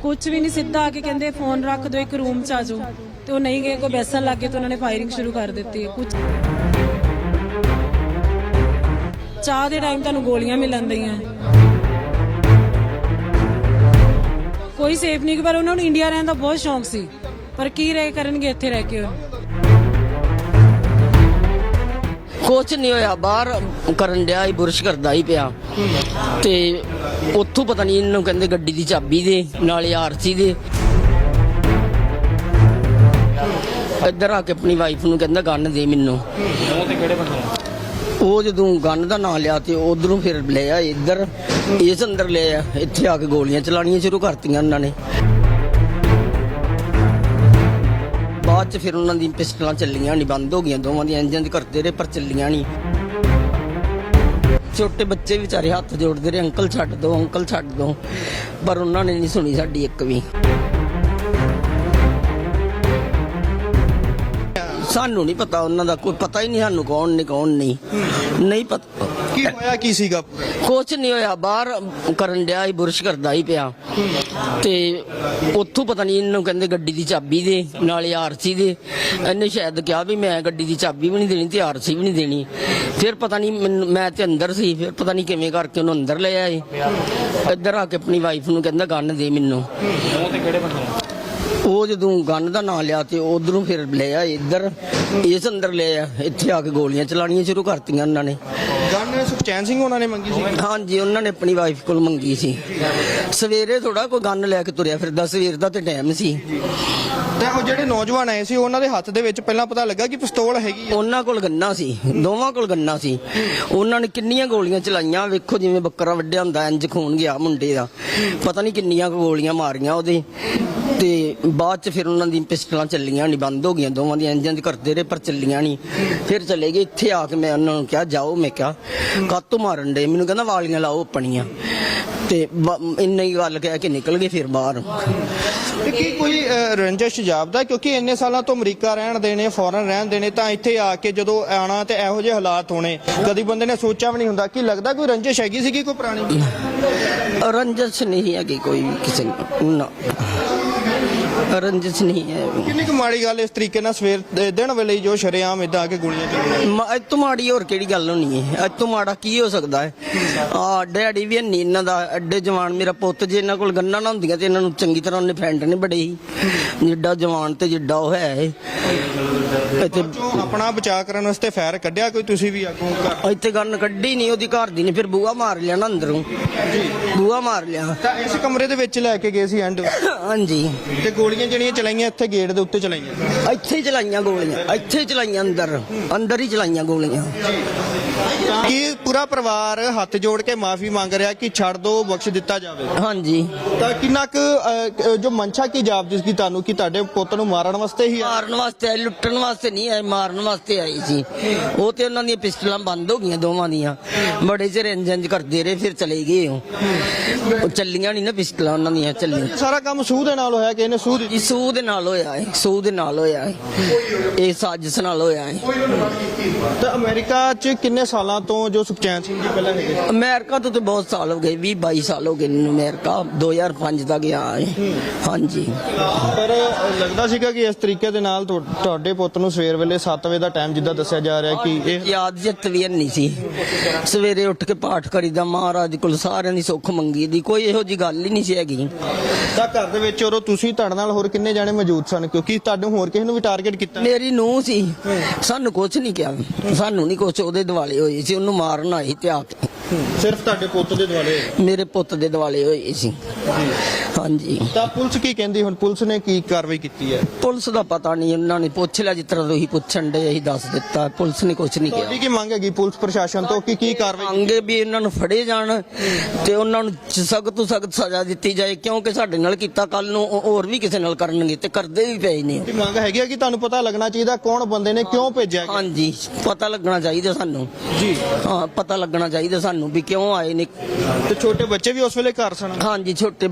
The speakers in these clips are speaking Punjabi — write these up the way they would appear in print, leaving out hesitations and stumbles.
ਕੁਝ ਵੀ ਨਹੀਂ, ਸਿੱਧਾ ਆ ਕੇ ਕਹਿੰਦੇ ਫੋਨ ਰੱਖ ਦਿਓ, ਇੱਕ ਰੂਮ 'ਚ ਆ ਜਾਓ, ਤੇ ਉਹ ਨਹੀਂ ਗਏ, ਕੋਈ ਬੈਸਣ ਲੱਗ ਗਏ ਤੇ ਉਹਨਾਂ ਨੇ ਫਾਇਰਿੰਗ ਸ਼ੁਰੂ ਕਰ ਦਿੱਤੀ। ਕੁਝ ਚਾਹ ਦੇ ਟਾਈਮ ਤੁਹਾਨੂੰ ਗੋਲੀਆਂ ਮਿਲਣ ਦਈਆਂ, ਕੋਈ ਸੇਫ ਨਹੀਂ। ਪਰ ਉਹਨਾਂ ਨੂੰ ਇੰਡੀਆ ਰਹਿਣ ਦਾ ਬਹੁਤ ਸ਼ੌਂਕ ਸੀ, ਪਰ ਕੀ ਰਹਿ ਕਰਨਗੇ ਇੱਥੇ ਰਹਿ ਕੇ। ਕੁਛ ਨਹੀਂ ਹੋਇਆ, ਬਾਹਰ ਕਰਨ ਡਿਆ ਹੀ, ਬੁਰਸ਼ ਕਰਦਾ ਹੀ ਪਿਆ ਤੇ ਉੱਥੋਂ ਪਤਾ ਨਹੀਂ ਇਹਨੂੰ ਕਹਿੰਦੇ ਗੱਡੀ ਦੀ ਚਾਬੀ ਦੇ ਨਾਲੇ ਆਰਸੀ ਦੇ। ਇੱਧਰ ਆ ਕੇ ਆਪਣੀ ਵਾਈਫ ਨੂੰ ਕਹਿੰਦਾ ਗਨ ਦੇ ਮੈਨੂੰ। ਉਹ ਜਦੋਂ ਗਨ ਦਾ ਨਾਂ ਲਿਆ ਤੇ ਉਧਰੋਂ ਫਿਰ ਲੈ ਆ ਇੱਧਰ, ਇਸ ਅੰਦਰ ਲੈ ਆ, ਇੱਥੇ ਆ ਕੇ ਗੋਲੀਆਂ ਚਲਾਉਣੀਆਂ ਸ਼ੁਰੂ ਕਰਤੀਆਂ ਉਹਨਾਂ ਨੇ। ਬਾਅਦ ਚ ਫਿਰ ਉਹਨਾਂ ਦੀ ਪਿਸਟਲਾਂ ਚੱਲੀਆਂ ਨਹੀਂ, ਬੰਦ ਹੋ ਗਈਆਂ ਦੋਵਾਂ ਦੀਆਂ, ਇੰਜਨ ਕਰਦੇ ਰਹੇ ਪਰ ਚੱਲੀਆਂ ਨਹੀਂ। ਛੋਟੇ ਬੱਚੇ ਵਿਚਾਰੇ ਹੱਥ ਜੋੜਦੇ ਰਹੇ, ਅੰਕਲ ਛੱਡ ਦੋ, ਅੰਕਲ ਛੱਡ ਦੋ, ਪਰ ਉਹਨਾਂ ਨੇ ਨਹੀਂ ਸੁਣੀ ਸਾਡੀ ਇੱਕ ਵੀ। ਸਾਨੂੰ ਨਹੀਂ ਪਤਾ ਉਹਨਾਂ ਦਾ, ਕੋਈ ਪਤਾ ਹੀ ਨਹੀਂ ਸਾਨੂੰ ਕੌਣ ਨੇ ਕੌਣ ਨਹੀਂ ਪਤਾ। ਕੀ ਹੋਇਆ ਕੀ ਸੀਗਾ? ਕੁਛ ਨਹੀਂ ਹੋਇਆ, ਬਾਹਰ ਕਰਨ ਡਿਆ ਹੀ, ਬੁਰਸ਼ ਕਰਦਾ ਹੀ ਪਿਆ ਤੇ ਉੱਥੋਂ ਪਤਾ ਨਹੀਂ ਇਹਨੂੰ ਕਹਿੰਦੇ ਗੱਡੀ ਦੀ ਚਾਬੀ ਦੇ ਨਾਲੇ ਆਰਸੀ ਦੇ। ਇਹਨੇ ਸ਼ਾਇਦ ਕਿਹਾ ਵੀ ਮੈਂ ਗੱਡੀ ਦੀ ਚਾਬੀ ਵੀ ਨਹੀਂ ਦੇਣੀ ਤੇ ਆਰਸੀ ਵੀ ਨਹੀਂ ਦੇਣੀ। ਫਿਰ ਪਤਾ ਨਹੀਂ ਮੈਨੂੰ, ਮੈਂ ਤੇ ਅੰਦਰ ਸੀ, ਫਿਰ ਪਤਾ ਨਹੀਂ ਕਿਵੇਂ ਕਰਕੇ ਉਹਨੂੰ ਅੰਦਰ ਲੈ ਆਏ। ਇੱਧਰ ਆ ਕੇ ਆਪਣੀ ਵਾਈਫ ਨੂੰ ਕਹਿੰਦਾ ਗਨ ਦੇ ਮੈਨੂੰ। ਉਹ ਜਦੋਂ ਗਨ ਦਾ ਨਾਂ ਲਿਆ ਤੇ ਉਧਰੋਂ ਫਿਰ ਲੈ ਆ ਇੱਧਰ, ਇਸ ਅੰਦਰ ਲੈ ਆ, ਇੱਥੇ ਆ ਕੇ ਗੋਲੀਆਂ ਚਲਾਉਣੀਆਂ ਸ਼ੁਰੂ ਕਰਤੀਆਂ ਉਹਨਾਂ ਨੇ। ਗਨ ਸੁਖਚੈਨ ਸਿੰਘ ਉਹਨਾਂ ਨੇ ਮੰਗੀ ਸੀ? ਹਾਂਜੀ, ਉਹਨਾਂ ਨੇ ਆਪਣੀ ਵਾਈਫ ਕੋਲ ਮੰਗੀ ਸੀ। ਸਵੇਰੇ ਥੋੜਾ ਕੋਈ ਗਨ ਲੈ ਕੇ ਤੁਰਿਆ ਫਿਰਦਾ, ਸਵੇਰ ਦਾ ਤੇ ਟਾਈਮ ਸੀ। ਤੇ ਉਹ ਜਿਹੜੇ ਨੌਜਵਾਨ ਆਏ ਸੀ ਉਹਨਾਂ ਦੇ ਹੱਥ ਦੇ ਵਿੱਚ ਪਹਿਲਾਂ ਪਤਾ ਲੱਗਾ ਕਿ ਪਿਸਤੌਲ ਹੈਗੀ ਹੈ? ਉਹਨਾਂ ਕੋਲ ਗੰਨਾ ਸੀ, ਦੋਵਾਂ ਕੋਲ ਗੰਨਾ ਸੀ। ਉਹਨਾਂ ਨੇ ਕਿੰਨੀਆਂ ਗੋਲੀਆਂ ਚਲਾਈਆਂ, ਵੇਖੋ ਜਿਵੇਂ ਬੱਕਰਾ ਵੱਢਿਆ ਹੁੰਦਾ ਇੰਜ ਖੂਨ ਗਿਆ ਮੁੰਡੇ ਦਾ। ਪਤਾ ਨਹੀਂ ਕਿੰਨੀਆਂ ਗੋਲੀਆਂ ਮਾਰੀਆਂ ਉਹਦੇ ਤੇ ਬਾਅਦ ਚ ਫਿਰ ਉਹਨਾਂ ਦੀ ਪਿਸਟਲਾਂ ਚੱਲੀਆਂ ਨਹੀਂ, ਬੰਦ ਹੋ ਗਈਆਂ ਦੋਵਾਂ ਦੀਆਂ, ਇੰਜਨ ਕਰਦੇ ਰਹੇ ਪਰ ਚੱਲੀਆਂ ਨਹੀਂ। ਫਿਰ ਚਲੇ ਗਏ। ਇੱਥੇ ਆ ਕੇ ਮੈਂ ਉਹਨਾਂ ਨੂੰ ਕਿਹਾ ਜਾਓ, ਮੈਂ ਕਿਹਾ ਕਾਹਤੋਂ ਮਾਰਨ ਡੇ ਮੈਨੂੰ? ਕਹਿੰਦਾ ਵਾਲੀਆਂ ਲਾਓ ਆਪਣੀਆਂ, ਤੇ ਇੰਨੀ ਹੀ ਗੱਲ ਕਹਿ ਕੇ ਨਿਕਲ ਗਏ ਫਿਰ ਬਾਹਰ। ਕੀ ਕੋਈ ਰੰਜਿਸ਼ ਜਾਪਦਾ? ਕਿਉਂਕਿ ਇੰਨੇ ਸਾਲਾਂ ਤੋਂ ਅਮਰੀਕਾ ਰਹਿਣ ਦੇਣੇ, ਫੋਰਨ ਰਹਿਣ ਦੇਣੇ, ਤਾਂ ਇੱਥੇ ਆ ਕੇ ਜਦੋਂ ਆਣਾ ਤੇ ਇਹੋ ਜਿਹੇ ਹਾਲਾਤ ਹੋਣੇ, ਕਦੀ ਬੰਦੇ ਨੇ ਸੋਚਿਆ ਵੀ ਨਹੀਂ ਹੁੰਦਾ। ਕੀ ਲੱਗਦਾ ਕੋਈ ਰੰਜਿਸ਼ ਹੈਗੀ ਸੀਗੀ ਕੋਈ ਪੁਰਾਣੀ? ਰੰਜਿਸ਼ ਨਹੀਂ ਹੈਗੀ ਕੋਈ ਵੀ ਕਿਸੇ ਨੂੰ, ਰੰਜਿਸ਼ ਨਹੀਂ ਹੈ। ਕਿੰਨੀ ਕੁ ਮਾੜੀ ਗੱਲ ਇਸ ਤਰੀਕੇ ਨਾਲ ਸਵੇਰ ਦੇ ਦਿਨ ਵੇਲੇ ਜੋ ਸ਼ਰੇਆਮ ਇਦਾਂ ਆ ਕੇ ਗੋਲੀਆਂ ਚੱਲੀਆਂ? ਅੱਜ ਤੋਂ ਮਾੜੀ ਹੋਰ ਕਿਹੜੀ ਗੱਲ ਹੋਣੀ ਹੈ? ਅੱਜ ਤੋਂ ਮਾੜਾ ਕੀ ਹੋ ਸਕਦਾ ਹੈ? ਡੈਡੀ ਵੀ ਨਹੀਂ ਇਹਨਾਂ ਦਾ, ਐਡੇ ਜਵਾਨ। ਮੇਰਾ ਪੁੱਤ ਜੇ ਇਹਨਾਂ ਕੋਲ ਗੰਨਾਂ ਨਾ ਹੁੰਦੀਆਂ ਤੇ ਇਹਨਾਂ ਨੂੰ ਚੰਗੀ ਤਰ੍ਹਾਂ ਉਹਨੇ ਫਰੈਂਡ ਨੇ ਬੜੇ ਹੀ, ਜਿੱਡਾ ਜਵਾਨ ਤੇ ਜਿੱਡਾ ਉਹ ਹੈ। ਇੱਥੇ ਆਪਣਾ ਬਚਾਅ ਕਰਨ ਵਾਸਤੇ ਫਾਇਰ ਕੱਢਿਆ ਕੋਈ? ਤੁਸੀਂ ਵੀ ਅੱਗੋਂ ਇੱਥੇ ਗੰਨ ਕੱਢੀ ਨਹੀਂ, ਉਹਦੀ ਘਰ ਦੀ ਨੇ ਫਿਰ ਬੂਹਾ ਮਾਰ ਲਿਆ ਨਾ ਅੰਦਰੋਂ, ਬੂਹਾ ਮਾਰ ਲਿਆ। ਤਾਂ ਇਸ ਕਮਰੇ ਦੇ ਵਿੱਚ ਲੈ ਕੇ ਗਏ ਸੀ ਐਂਡ? ਹਾਂਜੀ। ਤੇ ਗੋਲੀਆਂ ਜਿਹੜੀਆਂ ਚਲਾਈਆਂ ਇੱਥੇ ਗੇਟ ਦੇ ਉੱਤੇ ਚਲਾਈਆਂ? ਇੱਥੇ ਹੀ ਚਲਾਈਆਂ ਗੋਲੀਆਂ, ਇੱਥੇ ਹੀ ਚਲਾਈਆਂ, ਅੰਦਰ ਹੀ ਚਲਾਈਆਂ ਗੋਲੀਆਂ। ਕੀ ਪੂਰਾ ਪਰਿਵਾਰ ਹੱਥ ਜੋੜ ਕੇ ਮਾਫੀ ਮੰਗ ਰਿਹਾ ਕਿ ਛੱਡ ਦੋ, ਬਖਸ਼ ਦਿੱਤਾ ਜਾਵੇ? ਹਾਂਜੀ। ਤਾਂ ਕਿੰਨਾ ਕੁ ਜੋ ਮਨਸ਼ਾ ਕੀ ਜਾਪਦੀ ਸੀ ਤੁਹਾਨੂੰ ਕਿ ਤੁਹਾਡੇ ਪੁੱਤ ਨੂੰ ਮਾਰਨ ਵਾਸਤੇ ਹੀ? ਮਾਰਨ ਵਾਸਤੇ ਆਏ, ਲੁੱਟਣ ਵਾਸਤੇ ਨਹੀਂ ਆਏ, ਮਾਰਨ ਵਾਸਤੇ ਆਏ ਸੀ ਉਹ। ਤੇ ਉਹਨਾਂ ਦੀਆਂ ਪਿਸਟਲਾਂ ਬੰਦ ਹੋ ਗਈਆਂ ਦੋਵਾਂ ਦੀਆਂ, ਬੜੇ ਚਿਰ ਇੰਜ ਕਰਦੇ ਰਹੇ, ਫਿਰ ਚਲੇ ਗਏ ਉਹ ਚੱਲੀਆਂ ਨਹੀਂ ਨਾ ਪਿਸਟਲਾਂ ਉਹਨਾਂ ਦੀਆਂ, ਚੱਲੀਆਂ। ਸਾਰਾ ਕੰਮ ਸੂਹ ਦੇ ਨਾਲ ਹੋਇਆ ਕਿ ਇਹਨੇ ਸੂਹ ਜੀ ਸੂਹ ਦੇ ਨਾਲ ਹੋਇਆ ਹੈ, ਸੂਹ ਦੇ ਨਾਲ ਹੋਇਆ ਹੈ, ਇਹ ਸਾਜ਼ਿਸ਼ ਨਾਲ ਹੋਇਆ ਹੈ। ਤਾਂ ਅਮਰੀਕਾ 'ਚ ਕਿੰਨੇ ਸਾਲਾਂ ਤੋਂ ਜੋ ਸੁਖਚੈਨ ਸਿੰਘ ਜੀ ਪਹਿਲਾਂ ਹੈਗੇ? ਅਮਰੀਕਾ ਤੋਂ ਤੇ ਬਹੁਤ ਸਾਲ ਹੋ ਗਏ, 20-22 ਸਾਲ ਹੋ ਗਏ ਮੈਨੂੰ। ਅਮਰੀਕਾ 2005 ਦਾ ਗਿਆ ਹੈ। ਹਾਂਜੀ। ਪਰ ਲੱਗਦਾ ਸੀਗਾ ਕਿ ਇਸ ਤਰੀਕੇ ਦੇ ਨਾਲ ਤੁਹਾਡੇ ਪੁੱਤ ਨੂੰ ਸਵੇਰ ਵੇਲੇ 7 ਵਜੇ ਦਾ ਟਾਈਮ ਜਿੱਦਾਂ ਦੱਸਿਆ ਜਾ ਰਿਹਾ ਕਿ ਇਹ ਯਾਦ ਜਿੱਤ ਵੀ ਨਹੀਂ ਸੀ। ਸਵੇਰੇ ਉੱਠ ਕੇ ਪਾਠ ਕਰੀਦਾ, ਮਹਾਰਾਜ ਕੋਲ ਸਾਰਿਆਂ ਦੀ ਸੁੱਖ ਮੰਗੀ ਦੀ, ਕੋਈ ਇਹੋ ਜੀ ਗੱਲ ਹੀ ਨਹੀਂ ਸੀ ਹੈਗੀ। ਤਾਂ ਘਰ ਦੇ ਵਿੱਚ ਉਦੋਂ ਤੁਸੀਂ ਤੁਹਾਡੇ ਨਾਲ ਹੋਰ ਕਿੰਨੇ ਜਾਣੇ ਮੌਜੂਦ ਸਨ? ਕਿਉਂਕਿ ਤੁਹਾਨੂੰ ਹੋਰ ਕਿਸੇ ਨੂੰ ਵੀ ਟਾਰਗੇਟ ਕੀਤਾ? ਮੇਰੀ ਨੂੰਹ ਸੀ, ਸਾਨੂੰ ਕੁਝ ਨਹੀਂ ਕਿਹਾ, ਸਾਨੂੰ ਨਹੀਂ ਕੁਝ। ਉਹਦੇ ਦਿਵਾਲੇ ਹੋਏ ਸੀ, ਉਹਨੂੰ ਮਾਰਨ ਆਈ ਤੇ ਆ ਕੇ। ਸਿਰਫ ਤੁਹਾਡੇ ਪੁੱਤ ਦੇ ਦੁਆਲੇ? ਮੇਰੇ ਪੁੱਤ ਦੇ ਦਿਵਾਲੇ ਹੋਏ ਸੀ। ਹਾਂਜੀ। ਤਾਂ ਪੁਲਿਸ ਕੀ ਕਹਿੰਦੀ ਹੁਣ? ਪੁਲਿਸ ਨੇ ਕੀ ਕਾਰਵਾਈ ਕੀਤੀ ਹੈ? ਪੁਲਿਸ ਦਾ ਪਤਾ ਨਹੀਂ, ਉਹਨਾਂ ਨੇ ਪੁੱਛ ਲਿਆ ਜਿਸ ਤਰ੍ਹਾਂ ਤੁਸੀਂ ਪੁੱਛਣ ਦੇ, ਅਸੀਂ ਦੱਸ ਦਿੱਤਾ। ਪੁਲਿਸ ਨੇ ਕੁਝ ਨਹੀਂ ਕਿਹਾ। ਤੁਹਾਡੀ ਕੀ ਮੰਗ ਹੈਗੀ ਪੁਲਿਸ ਪ੍ਰਸ਼ਾਸਨ ਤੋਂ ਕਿ ਕੀ ਕਾਰਵਾਈ? ਮੰਗੇ ਵੀ ਇਹਨਾਂ ਨੂੰ ਫੜੇ ਜਾਣ ਤੇ ਉਹਨਾਂ ਨੂੰ ਸਖਤ ਤੋਂ ਸਖਤ ਸਜ਼ਾ ਦਿੱਤੀ ਜਾਏ, ਕਿਉਂਕਿ ਸਾਡੇ ਨਾਲ ਕੀਤਾ, ਕੱਲ ਨੂੰ ਹੋਰ ਵੀ ਕਿਸੇ ਨਾਲ ਕਰਨਗੇ ਤੇ ਕਰਦੇ ਵੀ ਪਏ ਨੇ। ਮੰਗ ਹੈਗੀ ਹੈ ਕਿ ਤੁਹਾਨੂੰ ਪਤਾ ਲੱਗਣਾ ਚਾਹੀਦਾ ਕੌਣ ਬੰਦੇ ਨੇ, ਕਿਉਂ ਭੇਜਿਆ? ਹਾਂਜੀ, ਪਤਾ ਲੱਗਣਾ ਚਾਹੀਦਾ ਸਾਨੂੰ ਜੀ। ਹਾਂ, ਪਤਾ ਲੱਗਣਾ ਚਾਹੀਦਾ ਸਾਨੂੰ ਵੀ ਕਿਉਂ ਆਏ ਨੇ। ਤੇ ਛੋਟੇ ਬੱਚੇ ਵੀ ਉਸ ਵੇਲੇ ਘਰ ਸਨ? ਹਾਂਜੀ, ਛੋਟੇ ਬੱਚੇ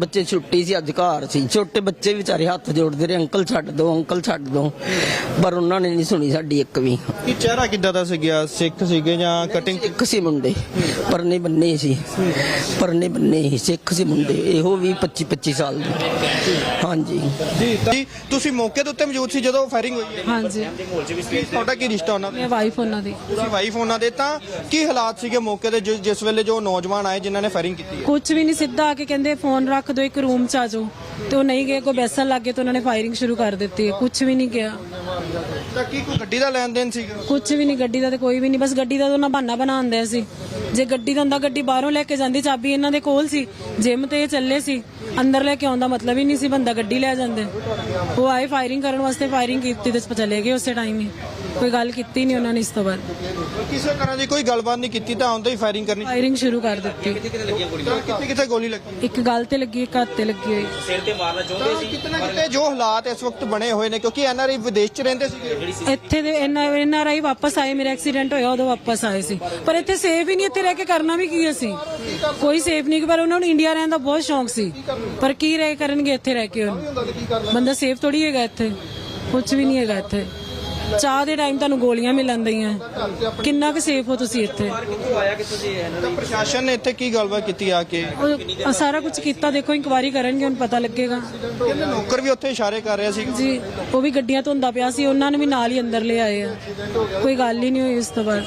ਛੁੱਟੀ ਸੀ, ਅੱਜ ਘਰ ਸੀ। ਛੋਟੇ ਬੱਚੇ ਵਿਚਾਰੇ ਹੱਥ ਜੋੜਦੇ ਰਹੇ, ਅੰਕਲ ਛੱਡ ਦਿਓ, ਅੰਕਲ ਛੱਡ ਦਿਓ, ਪਰ ਉਹਨਾਂ ਨੇ ਨਹੀਂ ਸੁਣੀ ਸਾਡੀ ਇੱਕ ਵੀ। ਕੀ ਚਿਹਰਾ ਕਿੱਦਾਂ ਦਾ ਸੀਗਾ? ਸਿੱਖ ਸੀਗੇ ਜਾਂ ਕਟਿੰਗ? ਇੱਕ ਸੀ ਮੁੰਡੇ, ਪਰਨੇ ਬੰਨੇ ਸੀ, ਪਰਨੇ ਬੰਨੇ ਸੀ, ਸਿੱਖ ਸੀ ਮੁੰਡੇ, ਇਹੋ ਵੀ 25 ਸਾਲ ਦੇ। ਹਾਂਜੀ ਜੀ ਤੁਸੀਂ ਮੌਕੇ ਦੇ ਉੱਤੇ ਮੌਜੂਦ ਸੀ ਜਦੋਂ ਫਾਇਰਿੰਗ ਹੋਈ ਹੈ? ਹਾਂਜੀ, ਤੁਹਾਡਾ ਕੀ ਰਿਸ਼ਤਾ ਉਹਨਾਂ ਨਾਲ? ਮੈਂ ਵਾਈਫ ਉਹਨਾਂ ਦੀ। ਤੁਸੀਂ ਵਾਈਫ ਉਹਨਾਂ ਦੇ, ਤਾਂ ਕੀ ਹਾਲਾਤ ਸੀਗੇ ਮੌਕੇ ਦੇ ਜਿਸ ਵੇਲੇ ਜੋ ਨੌਜਵਾਨ ਆਏ ਜਿਨ੍ਹਾਂ ਨੇ ਫਾਇਰਿੰਗ ਕੀਤੀ? ਕੁਝ ਵੀ ਨਹੀਂ, ਸਿੱਧਾ ਆ ਕੇ ਕਹਿੰਦੇ ਫੋਨ ਰੱਖ ਦਿਓ, ਇੱਕ ਰੂਮ ਚ ਆ ਜਾਓ, ਤੇ ਉਹ ਨਹੀਂ ਗਏ, ਕੋਈ ਬੈਸਣ ਲੱਗ ਗਏ ਤੇ ਉਹਨਾਂ ਨੇ ਫਾਇਰਿੰਗ ਸ਼ੁਰੂ ਕਰ ਦਿੱਤੀ ਹੈ। ਕੁਝ ਵੀ ਨਹੀਂ ਕਿਹਾ, ਤਾਂ ਕੀ ਕੋਈ ਗੱਡੀ ਦਾ ਲੈਣ ਦੇਣ ਸੀਗਾ? ਕੁਝ ਵੀ ਨਹੀਂ, ਗੱਡੀ ਦਾ ਤੇ ਕੋਈ ਵੀ ਨਹੀਂ, ਬਸ ਗੱਡੀ ਦਾ ਤਾਂ ਉਹਨਾਂ ਬਹਾਨਾ ਬਣਾਉਂਦੇ ਸੀ। ਜੇ ਗੱਡੀ ਦਾ ਹੁੰਦਾ, ਗੱਡੀ ਬਾਹਰੋਂ ਲੈ ਕੇ ਜਾਂਦੀ, ਚਾਬੀ ਇਹਨਾਂ ਦੇ ਕੋਲ ਸੀ, ਜਿਮ ਤੇ ਇਹ ਚੱਲੇ ਸੀ, ਅੰਦਰ ਲੈ ਕੇ ਆਉਂਦਾ ਮਤਲਬ ਹੀ ਨਹੀਂ ਸੀ ਬੰਦਾ, ਗੱਡੀ ਲੈ ਜਾਂਦੇ। ਉਹ ਆਏ ਫਾਇਰਿੰਗ ਕਰਨ ਵਾਸਤੇ, ਫਾਇਰਿੰਗ ਕੀਤੀ ਤੇ ਚਲੇ ਗਏ ਉਸੇ ਟਾਈਮ ਹੀ, ਕੋਈ ਗੱਲ ਕੀਤੀ ਨਹੀਂ ਉਹਨਾਂ ਨੇ। ਇਸ ਤੋਂ ਬਾਅਦ ਕਿਸੇ ਤਰ੍ਹਾਂ ਦੀ ਕੋਈ ਗੱਲਬਾਤ ਨਹੀਂ ਕੀਤੀ, ਤਾਂ ਆਉਂਦੇ ਹੀ ਫਾਇਰਿੰਗ ਕਰਨੀ? ਫਾਇਰਿੰਗ ਸ਼ੁਰੂ ਕਰ ਦਿੱਤੀ। ਕਿੱਥੇ ਕਿੱਥੇ ਗੋਲੀ ਲੱਗੀ? ਇੱਕ ਗੱਲ ਤੇ ਲੱਗੀ, ਇੱਕ ਹੱਥ ਤੇ ਲੱਗੀ ਹੋਈ। ਕਿਤੇ ਨਾ ਕਿਤੇ ਜੋ ਹਾਲਾਤ ਇਸ ਵਕਤ ਬਣੇ ਹੋਏ ਨੇ, ਕਿਉਂਕਿ ਐਨਆਰਆਈ ਵਿਦੇਸ਼ 'ਚ ਰਹਿੰਦੇ ਸੀਗੇ, ਇੱਥੇ ਦੇ ਐਨਆਰਆਈ ਵਾਪਸ ਆਏ, ਮੇਰਾ ਐਕਸੀਡੈਂਟ ਹੋਇਆ ਉਦੋਂ ਵਾਪਸ ਆਏ ਸੀ, ਪਰ ਇੱਥੇ ਸੇਫ ਹੀ ਨਹੀਂ। ਇੱਥੇ ਰਹਿ ਕੇ ਕਰਨਾ ਵੀ ਕੀ ਅਸੀਂ, ਕੋਈ ਸੇਫ ਨਹੀਂ। ਪਰ ਉਹਨਾਂ ਨੂੰ ਇੰਡੀਆ ਰਹਿਣ ਦਾ ਬਹੁਤ ਸ਼ੌਂਕ ਸੀ, ਪਰ ਕੀ ਰਹਿ ਕਰਨਗੇ ਇੱਥੇ ਰਹਿ ਕੇ? ਬੰਦਾ ਸੇਫ ਥੋੜੀ ਹੈਗਾ ਇੱਥੇ, ਕੁਝ ਵੀ ਨਹੀਂ ਹੈਗਾ ਇੱਥੇ। ਚਾਹ ਦੇ ਟਾਈਮ ਤੁਹਾਨੂੰ ਗੋਲੀਆਂ ਮਿਲਣ ਦਈਆਂ, ਕਿੰਨਾ ਕੁ ਸੇਫ ਹੋ ਤੁਸੀਂ ਇੱਥੇ? ਤਾਂ ਪ੍ਰਸ਼ਾਸਨ ਨੇ ਇੱਥੇ ਕੀ ਗੱਲਬਾਤ ਕੀਤੀ ਆ ਕੇ? ਉਹ ਸਾਰਾ ਕੁਝ ਕੀਤਾ, ਦੇਖੋ ਇਨਕੁਆਇਰੀ ਕਰਨਗੇ, ਹੁਣ ਪਤਾ ਲੱਗੇਗਾ। ਕਹਿੰਦੇ ਨੌਕਰ ਵੀ ਉੱਥੇ ਇਸ਼ਾਰੇ ਕਰ ਰਿਹਾ ਸੀ ਜੀ, ਉਹ ਵੀ ਗੱਡੀਆਂ ਧੋਂਦਾ ਪਿਆ ਸੀ, ਉਹਨਾਂ ਨੂੰ ਵੀ ਨਾਲ ਹੀ ਅੰਦਰ ਲੈ ਆਏ ਆ, ਕੋਈ ਗੱਲ ਹੀ ਨਹੀਂ ਹੋਈ ਉਸ ਤੋਂ ਬਾਅਦ।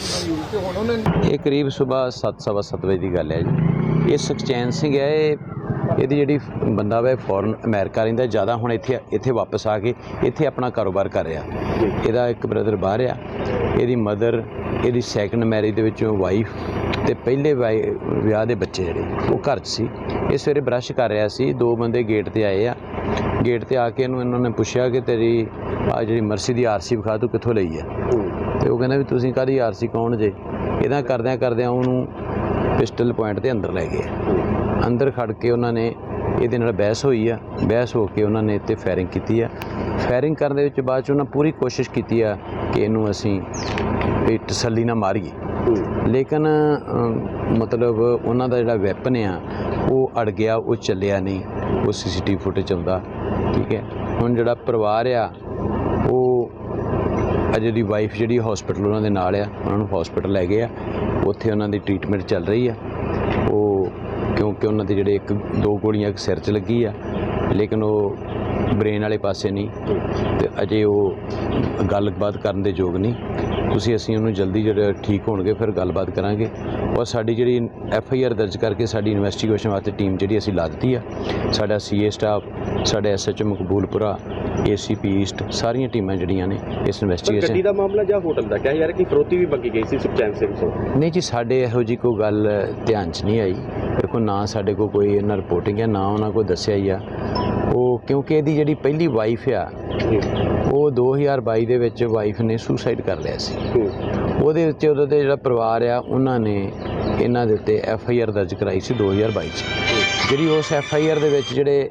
ਇਹ ਕਰੀਬ ਸਵੇਰ 7:15 ਵਜੇ ਦੀ ਗੱਲ ਹੈ ਜੀ। ਇਹ ਸੁਖਚੈਨ ਸਿੰਘ ਹੈ, ਇਹਦੀ ਜਿਹੜੀ ਬੰਦਾ ਵਾ ਫੋਰਨ ਅਮਰੀਕਾ ਰਹਿੰਦਾ, ਜ਼ਿਆਦਾ ਹੁਣ ਇੱਥੇ ਵਾਪਸ ਆ ਕੇ ਇੱਥੇ ਆਪਣਾ ਕਾਰੋਬਾਰ ਕਰ ਰਿਹਾ। ਇਹਦਾ ਇੱਕ ਬ੍ਰਦਰ ਬਾਹਰ ਆ, ਇਹਦੀ ਮਦਰ, ਇਹਦੀ ਸੈਕੰਡ ਮੈਰਿਜ ਦੇ ਵਿੱਚੋਂ ਵਾਈਫ ਤੇ ਪਹਿਲੇ ਵਿਆਹ ਦੇ ਬੱਚੇ ਜਿਹੜੇ ਉਹ ਘਰ 'ਚ ਸੀ। ਇਹ ਸਵੇਰੇ ਬਰੱਸ਼ ਕਰ ਰਿਹਾ ਸੀ, ਦੋ ਬੰਦੇ ਗੇਟ ਤੇ ਆਏ ਆ। ਗੇਟ ਤੇ ਆ ਕੇ ਇਹਨਾਂ ਨੇ ਪੁੱਛਿਆ ਕਿ ਤੇਰੀ ਆ ਜਿਹੜੀ ਮਰਸੀ ਦੀ ਆਰਸੀ ਵਿਖਾ, ਤੂੰ ਕਿੱਥੋਂ ਲਈ ਆ? ਤੇ ਉਹ ਕਹਿੰਦਾ ਵੀ ਤੁਸੀਂ ਕਾਹਦੀ ਆਰਸੀ, ਕੌਣ ਜੇ? ਇਹਦਾ ਕਰਦਿਆਂ ਉਹਨੂੰ ਪਿਸਟਲ ਪੁਆਇੰਟ ਤੇ ਅੰਦਰ ਲੈ ਗਏ। ਅੰਦਰ ਖੜ ਕੇ ਉਹਨਾਂ ਨੇ ਇਹਦੇ ਨਾਲ ਬਹਿਸ ਹੋਈ ਆ, ਬਹਿਸ ਹੋ ਕੇ ਉਹਨਾਂ ਨੇ ਇੱਥੇ ਫਾਇਰਿੰਗ ਕੀਤੀ ਆ। ਫਾਇਰਿੰਗ ਕਰਨ ਦੇ ਵਿੱਚ ਬਾਅਦ 'ਚ ਉਹਨਾਂ ਪੂਰੀ ਕੋਸ਼ਿਸ਼ ਕੀਤੀ ਆ ਕਿ ਇਹਨੂੰ ਅਸੀਂ ਵੀ ਤਸੱਲੀ ਨਾਲ ਮਾਰੀਏ, ਲੇਕਿਨ ਮਤਲਬ ਉਹਨਾਂ ਦਾ ਜਿਹੜਾ ਵੈਪਨ ਆ ਉਹ ਅੜ ਗਿਆ, ਉਹ ਚੱਲਿਆ ਨਹੀਂ। ਉਹ CCTV ਫੁਟੇਜ ਆਉਂਦਾ, ਠੀਕ ਹੈ। ਹੁਣ ਜਿਹੜਾ ਪਰਿਵਾਰ ਆ ਉਹ ਅਜੇ ਦੀ ਵਾਈਫ ਜਿਹੜੀ ਹਸਪੀਟਲ ਉਹਨਾਂ ਦੇ ਨਾਲ ਆ, ਉਹਨਾਂ ਨੂੰ ਹਸਪੀਟਲ ਲੈ ਗਏ ਆ, ਉੱਥੇ ਉਹਨਾਂ ਦੀ ਟ੍ਰੀਟਮੈਂਟ ਚੱਲ ਰਹੀ ਆ। ਉਹ ਕਿਉਂਕਿ ਉਹਨਾਂ ਦੇ ਜਿਹੜੇ ਦੋ ਗੋਲੀਆਂ ਇੱਕ ਸਿਰ 'ਚ ਲੱਗੀ ਆ, ਲੇਕਿਨ ਉਹ ਬ੍ਰੇਨ ਵਾਲੇ ਪਾਸੇ ਨਹੀਂ, ਤੇ ਅਜੇ ਉਹ ਗੱਲਬਾਤ ਕਰਨ ਦੇ ਯੋਗ ਨਹੀਂ। ਅਸੀਂ ਉਹਨੂੰ ਜਲਦੀ ਜਿਹੜਾ ਠੀਕ ਹੋਣਗੇ ਫਿਰ ਗੱਲਬਾਤ ਕਰਾਂਗੇ। ਔਰ ਸਾਡੀ ਜਿਹੜੀ FIR ਦਰਜ ਕਰਕੇ ਸਾਡੀ ਇਨਵੈਸਟੀਗੇਸ਼ਨ ਵਾਸਤੇ ਟੀਮ ਜਿਹੜੀ ਅਸੀਂ ਲਾ ਦਿੱਤੀ ਆ, ਸਾਡਾ CA ਸਟਾਫ, ਸਾਡੇ SHO ਮਕਬੂਲਪੁਰਾ, ACP ਈਸਟ, ਸਾਰੀਆਂ ਟੀਮਾਂ ਜਿਹੜੀਆਂ ਨੇ ਇਸ ਇਨਵੈਸਟੀਗੇਸ਼ਨ। ਗੱਡੀ ਦਾ ਮਾਮਲਾ ਜਾਂ ਹੋਟਲ ਦਾ ਕਿਹਾ ਯਾਰ ਕਿ ਫਰੋਤੀ ਵੀ ਮੰਗੀ ਗਈ ਸੀ ਸੁਖਚੈਨ ਸਿੰਘ ਤੋਂ? ਨਹੀਂ ਜੀ, ਸਾਡੇ ਇਹੋ ਜਿਹੀ ਕੋਈ ਗੱਲ ਧਿਆਨ 'ਚ ਨਹੀਂ ਆਈ। ਦੇਖੋ, ਨਾ ਸਾਡੇ ਕੋਲ ਕੋਈ ਇਹਨਾਂ ਰਿਪੋਰਟਿੰਗ ਹੈ, ਨਾ ਉਹਨਾਂ ਕੋਲ ਦੱਸਿਆ ਹੀ ਆ। ਉਹ ਕਿਉਂਕਿ ਇਹਦੀ ਜਿਹੜੀ ਪਹਿਲੀ ਵਾਈਫ ਆ, ਉਹ 2022 ਦੇ ਵਿੱਚ ਵਾਈਫ ਨੇ ਸੁਸਾਈਡ ਕਰ ਲਿਆ ਸੀ। ਉਹਦੇ ਵਿੱਚ ਉਹਦਾ ਤੇ ਜਿਹੜਾ ਪਰਿਵਾਰ ਆ, ਉਹਨਾਂ ਨੇ ਇਹਨਾਂ ਦੇ ਉੱਤੇ FIR ਦਰਜ ਕਰਾਈ ਸੀ 2022 'ਚ। ਜਿਹੜੀ ਉਸ FIR ਦੇ ਵਿੱਚ ਜਿਹੜੇ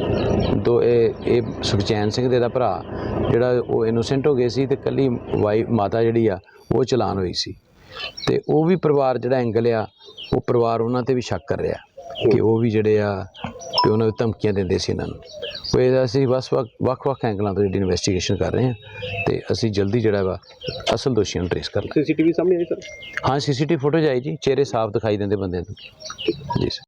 ਇਹ ਸੁਖਚੈਨ ਸਿੰਘ ਦੇ ਦਾ ਭਰਾ ਜਿਹੜਾ ਉਹ ਇਨੋਸੈਂਟ ਹੋ ਗਏ ਸੀ, ਤੇ ਇਕੱਲੀ ਮਾਤਾ ਜਿਹੜੀ ਆ ਉਹ ਚਲਾਨ ਹੋਈ ਸੀ। ਤੇ ਉਹ ਵੀ ਪਰਿਵਾਰ ਜਿਹੜਾ ਐਂਗਲ ਆ, ਉਹ ਪਰਿਵਾਰ ਉਹਨਾਂ ਤੇ ਵੀ ਸ਼ੱਕ ਕਰ ਰਿਹਾ ਕਿ ਉਹ ਵੀ ਜਿਹੜੇ ਆ ਕਿ ਉਹਨਾਂ ਨੂੰ ਧਮਕੀਆਂ ਦਿੰਦੇ ਸੀ ਇਹਨਾਂ ਨੂੰ। ਉਹ ਇਹਦਾ ਅਸੀਂ ਵੱਖ-ਵੱਖ ਐਂਗਲਾਂ ਤੋਂ ਜਿਹੜੀ ਇਨਵੈਸਟੀਗੇਸ਼ਨ ਕਰ ਰਹੇ ਹਾਂ, ਤੇ ਅਸੀਂ ਜਲਦੀ ਜਿਹੜਾ ਵਾ ਅਸਲ ਦੋਸ਼ੀਆਂ ਨੂੰ ਟ੍ਰੇਸ ਕਰ ਲਾਂਗੇ। CCTV ਸਾਹਮਣੇ ਆਈ ਸਰ? ਹਾਂ, CCTV ਫੁਟੇਜ ਆਈ ਜੀ, ਚਿਹਰੇ ਸਾਫ਼ ਦਿਖਾਈ ਦਿੰਦੇ ਬੰਦਿਆਂ ਦੇ। ਜੀ ਸਰ।